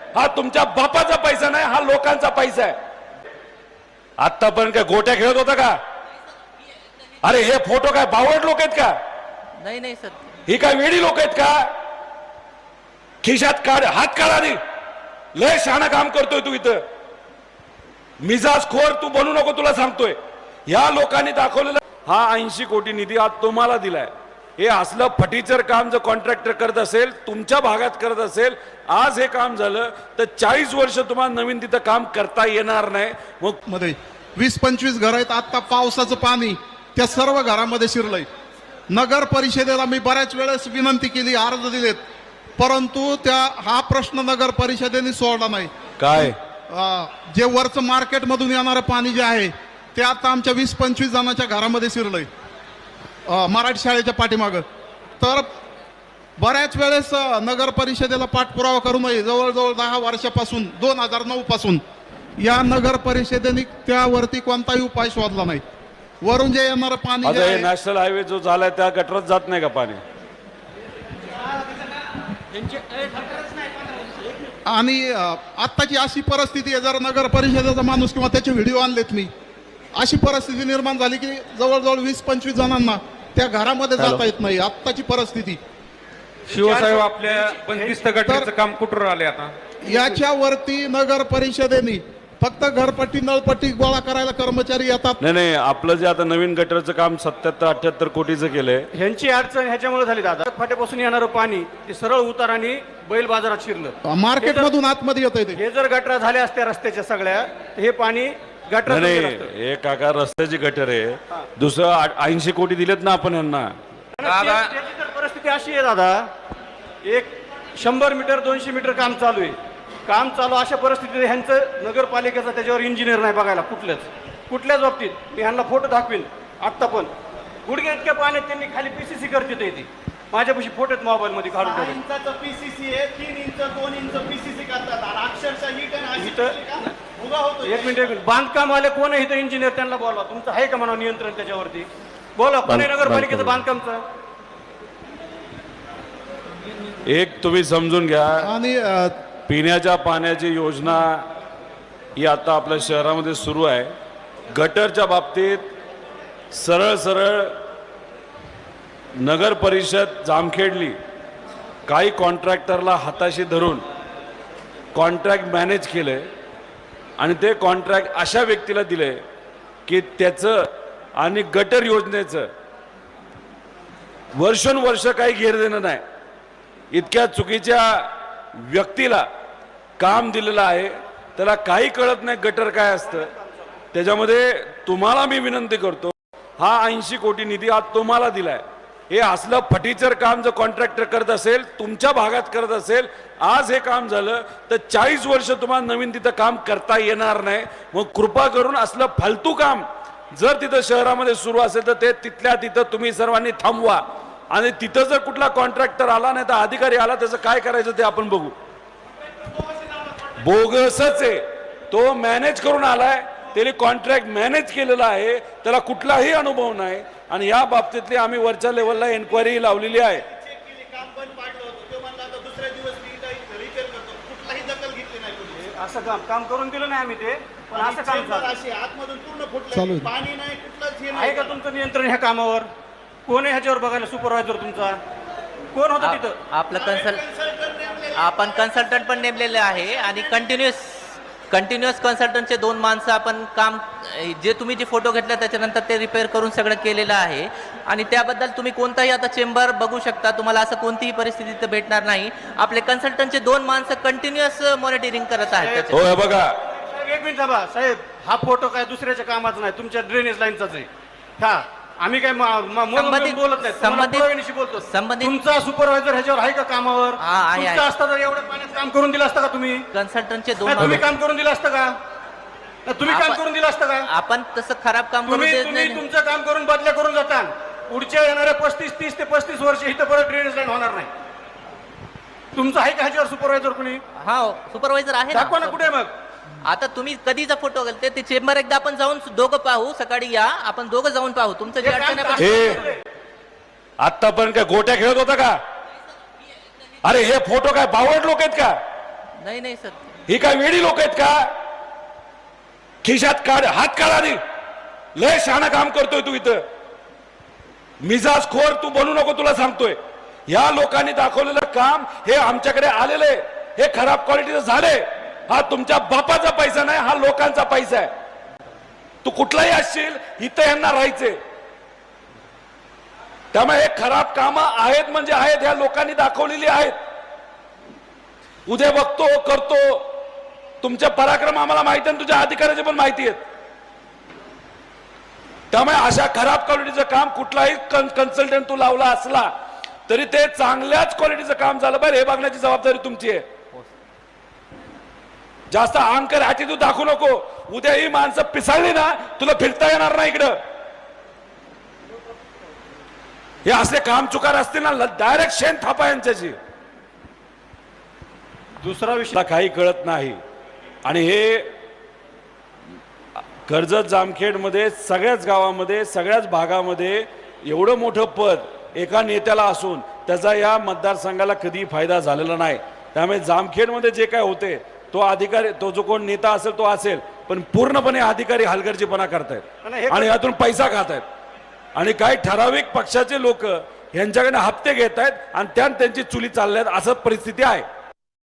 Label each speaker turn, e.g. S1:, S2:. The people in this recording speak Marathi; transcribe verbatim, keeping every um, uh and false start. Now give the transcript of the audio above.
S1: हा तुमच्या बापाचा पैसा नाही, हा लोकांचा पैसा आहे. आतापर्यंत काय गोट्या खेळत होता का? अरे हे फोटो काय बावट लोक आहेत का?
S2: नाही नाही सर,
S1: ही काय वेडी लोक आहेत का? खिशात काढ, हात काढा रे. लय शहाणा काम करतोय तू इथं. मिजाज खोर तू बनू नको, तुला सांगतोय. या लोकांनी दाखवलेला हा ऐंशी कोटी निधी आज तुम्हाला दिलाय. हे असलं फटीचर काम जर कॉन्ट्रॅक्टर करत असेल, तुमच्या भागात करत असेल, आज हे काम झालं तर चाळीस वर्ष तुम्हाला नवीन तिथं काम करता येणार नाही. मग
S3: मध्ये वीस पंचवीस घर आहेत. आता पावसाचं पाणी त्या सर्व घरामध्ये शिरलंय. नगर परिषदेला मी बऱ्याच वेळेस विनंती केली, अर्ज दिलेत, परंतु त्या हा प्रश्न नगर परिषदेने सोडला नाही.
S1: काय
S3: अं, जे वरचं मार्केटमधून येणारं पाणी जे आहे ते आता आमच्या वीस पंचवीस जणांच्या घरामध्ये शिरलंय, अं, मराठी शाळेच्या पाठीमागं. तर बऱ्याच वेळेस अं, नगर परिषदेला पाठपुरावा करू नये. जवळजवळ दहा वर्षापासून दोन हजार नऊ पासून या नगर परिषदेने त्यावरती कोणताही उपाय शोधला नाही. वरून जे येणारं पाणी जे
S1: आता हे
S3: आहे,
S1: नॅशनल हायवे जो झालाय त्या गटरात जात नाही का पाणी?
S3: आणि अं, आत्ताची अशी परिस्थिती आहे, जर नगर परिषदेचा माणूस किंवा त्याचे व्हिडिओ आणलेत मी, अशी परिस्थिती निर्माण झाली की जवळजवळ वीस पंचवीस जणांना त्या घरामध्ये जाता येत नाही. आत्ताची परिस्थिती.
S4: शिवसाहेब, आपल्या बंदिस्त गटाचं काम कुठून आले आता?
S3: याच्यावरती नगर परिषदेने फक्त घरपट्टी नळपट्टी गोळा करायला कर्मचारी येतात.
S1: नाही नाही, आपलं जे आता नवीन गटरचं काम सत्याहत्तर अठ्याहत्तर कोटीचं केलंय.
S5: ह्यांची अडचण ह्याच्यामुळे झाली दादा. फाट्यापासून येणारं पाणी ते सरळ उतार आणि बैल बाजारात शिरलं.
S3: मार्केटमधून आतमध्ये येत आहे.
S5: हे जर गटरा झाल्या असत्या रस्त्याच्या सगळ्या, तर हे पाणी गटरात
S1: नाही
S5: गेलं
S1: नाही,
S5: असतं.
S1: हे काका रस्त्याची गटर आहे. दुसरं ऐंशी कोटी दिलेत ना आपण यांना.
S5: आणि ते- त्याची तर परिस्थिती अशी आहे दादा, एक शंभर मीटर दोनशे मीटर काम चालू आहे. काम चालू अशा परिस्थितीत ह्यांचं नगरपालिकेचा त्याच्यावर इंजिनियर नाही बघायला कुठल्याच कुठल्याच बाबतीत. मी ह्यांना फोटो दाखवीन आत्ता, पण गुडघे इतक्या पाण्यात त्यांनी खाली पीसीसी करते येते. माझ्यापाशी फोटो आहेत मोबाईल मध्ये काढून ठेवले.
S6: इंचाचं पीसीसी आहे, तीन इंच दोन इंच पीसीसी करतात आणि अक्षरशः ही टन अशी
S5: इथं-
S6: उगा होतो.
S5: एक मिनिट एक मिनिट बांधकाम आले कोण आहे इथं इंजिनियर, त्यांना बोलवा. तुमचं आहे का म्हणा नियंत्रण त्याच्यावरती? बोला कोण आहे नगरपालिकेचं बांधकामचं?
S1: एक तुम्ही समजून घ्या,
S3: आणि अं,
S1: पिण्याच्या पाण्याची योजना ही आता आपल्या शहरामध्ये सुरू आहे. गटरच्या बाबतीत सरळ सरळ नगर परिषद जामखेडली काही कॉन्ट्रॅक्टरला हाताशी धरून कॉन्ट्रॅक्ट मॅनेज केलंय आणि ते कॉन्ट्रॅक्ट अशा व्यक्तीला दिले की त्याचं आणि गटर योजनेचं वर्षोनवर्ष काही घेर देणं नाही. इतक्या चुकीच्या व्यक्तीला काम दिलेलं आहे, त्याला काही कळत नाही गटर काय असतं. त्याच्यामध्ये तुम्हाला मी विनंती करतो, हा ऐंशी कोटी निधी आज तुम्हाला दिलाय. हे असलं फटीचर काम जर कॉन्ट्रॅक्टर करत असेल, तुमच्या भागात करत असेल, आज हे काम झालं तर चाळीस वर्ष तुम्हाला नवीन तिथं काम करता येणार नाही. मग कृपा करून असलं फालतू काम जर तिथं शहरामध्ये सुरू असेल तर ते तिथल्या तिथं तुम्ही सर्वांनी थांबवा. आणि तिथं जर कुठला कॉन्ट्रॅक्टर आला नाही तर अधिकारी आला, त्याचं काय करायचं ते आपण बघू. बोगसच आहे तो, मॅनेज करून आलाय, त्याने कॉन्ट्रॅक्ट मॅनेज केलेला आहे, त्याला कुठलाही अनुभव नाही. आणि या बाबतीतली आम्ही वरच्या लेवलला एन्क्वायरी लावलेली आहे.
S6: काम बंद पाडलं होतं, ते म्हणलं आता दुसऱ्या दिवस रिपेअर करतो. कुठलाही दखल घेतली नाही कोणी.
S5: असं काम काम करून दिलं नाही आम्ही ते, पण असं काम
S6: चेंबर
S5: झालं.
S6: अशी आतमधून पूर्ण
S3: चालू
S6: फुटलं,
S3: आहे.
S6: पाणी नाही, कुठलंच हे
S5: आहे
S6: नाही.
S5: का तुमचं नियंत्रण ह्या कामावर? कोण आहे ह्याच्यावर बघायला? सुपरवायझर तुमचा कोण होता तिथं?
S2: आपलं कन्सल्ट आपण कन्सल्टंट पण नेमलेले आहे आणि कंटिन्युअस कंटिन्युअस कन्सल्टंटचे दोन माणसं आपण काम, जे तुम्ही जे फोटो घेतले त्याच्यानंतर ते रिपेअर करून सगळं केलेलं आहे. आणि त्याबद्दल तुम्ही कोणताही आता चेंबर बघू शकता, तुम्हाला असं कोणतीही परिस्थिती इथं भेटणार नाही. आपले कन्सल्टंटचे दोन माणसं कंटिन्युअस मॉनिटरिंग करत आहेत त्याचे.
S1: हो हे बघा,
S5: साहेब, एक मिनिट थांबा साहेब. हा फोटो काय दुसऱ्याच्या कामाचा नाही, तुमच्या ड्रेनेज लाईनचाच आहे. हा आम्ही काय मा- मा- मोल
S2: संबंधित-
S5: बोलत नाही,
S2: संबंधित-
S5: पुराव्यानिशी बोलतो.
S2: संबंधित-
S5: तुमचा सुपरवायझर ह्याच्यावर आहे का कामावर?
S2: हा, आहे,
S5: तुमचा
S2: आहे.
S5: असता तर एवढ्या पाण्यात काम करून दिलं असतं का तुम्ही?
S2: कन्सल्टंटचे दोन
S5: नाही, तुम्ही
S2: माणसं-
S5: काम करून दिलं असतं का? नाही, तुम्ही काम
S2: आपण-
S5: करून दिलं असतं का?
S2: आपण तसं खराब काम करू
S5: तुम्ही
S2: देत
S5: तुम्ही
S2: नाही.
S5: तुमचं काम करून बदल्या करून जाता. पुढच्या येणाऱ्या पस्तीस तीस ते पस्तीस वर्ष इथं परत ड्रेनेज लाईन होणार नाही. तुमचं आहे का ह्याच्यावर सुपरवायझर कुणी?
S2: हा सुपरवायझर आहे ना.
S5: दाखवा ना कुठे मग.
S2: आता तुम्ही कधीचा फोटो घालते ते चेंबर एकदा आपण जाऊन दोघं पाहू. सकाळी या, आपण दोघं जाऊन पाहू तुमचं जे
S5: हे काम
S2: अडचण आहे.
S1: हे आतापर्यंत काय गोट्या खेळत होता का? अरे हे फोटो काय बावट लोक आहेत का?
S2: नाही नाही सर.
S1: ही काय वेडी लोक आहेत का? खिशात काढ, हात काढ आधी. लय शहाणा काम करतोय तू इथं. मिजाज खोर तू बनू नको, तुला सांगतोय. या लोकांनी दाखवलेलं काम हे आमच्याकडे आलेले, हे खराब क्वालिटीचं झाले. हा तुमच्या बापाचा पैसा नाही, हा लोकांचा पैसा आहे. तू कुठलाही असशील, इथं यांना राहायचे. त्यामुळे हे खराब कामं आहेत म्हणजे आहेत, ह्या लोकांनी दाखवलेली आहेत. उद्या बघतो करतो, तुमचे पराक्रम आम्हाला माहिती आहे, तुझ्या अधिकाऱ्याचे पण माहिती आहेत. त्यामुळे अशा खराब क्वालिटीचं काम कुठलाही कन्सल्टंट तू लावला असला तरी ते चांगल्याच क्वालिटीचं काम झालं पाहिजे हे बघण्याची जबाबदारी तुमची आहे. जास्त अहंकार ॲटिट्यूड दाखवू नको. उद्या ही माणसं पिसाळली ना, तुला फिरता येणार नाही इकडं. हे असे काम चुकार असतील ना, डायरेक्ट शेण थापा यांच्याशी.
S5: दुसरा विषय
S1: मला काही कळत नाही. आणि हे कर्जत जामखेड मध्ये सगळ्याच गावामध्ये सगळ्याच भागामध्ये एवढं मोठं पद एका नेत्याला असून त्याचा या मतदारसंघाला कधी फायदा झालेला नाही. त्यामुळे जामखेडमध्ये जे काय होते तो अधिकारी, तो जो कोण नेता असेल तो असेल, पण पूर्णपणे अधिकारी हलगर्जीपणा करतायत आणि यातून पैसा खात आहेत. आणि काही ठराविक पक्षाचे लोक यांच्याकडे हप्ते घेत आहेत आणि त्यात त्यांची चुली चालल्यात, असं परिस्थिती आहे.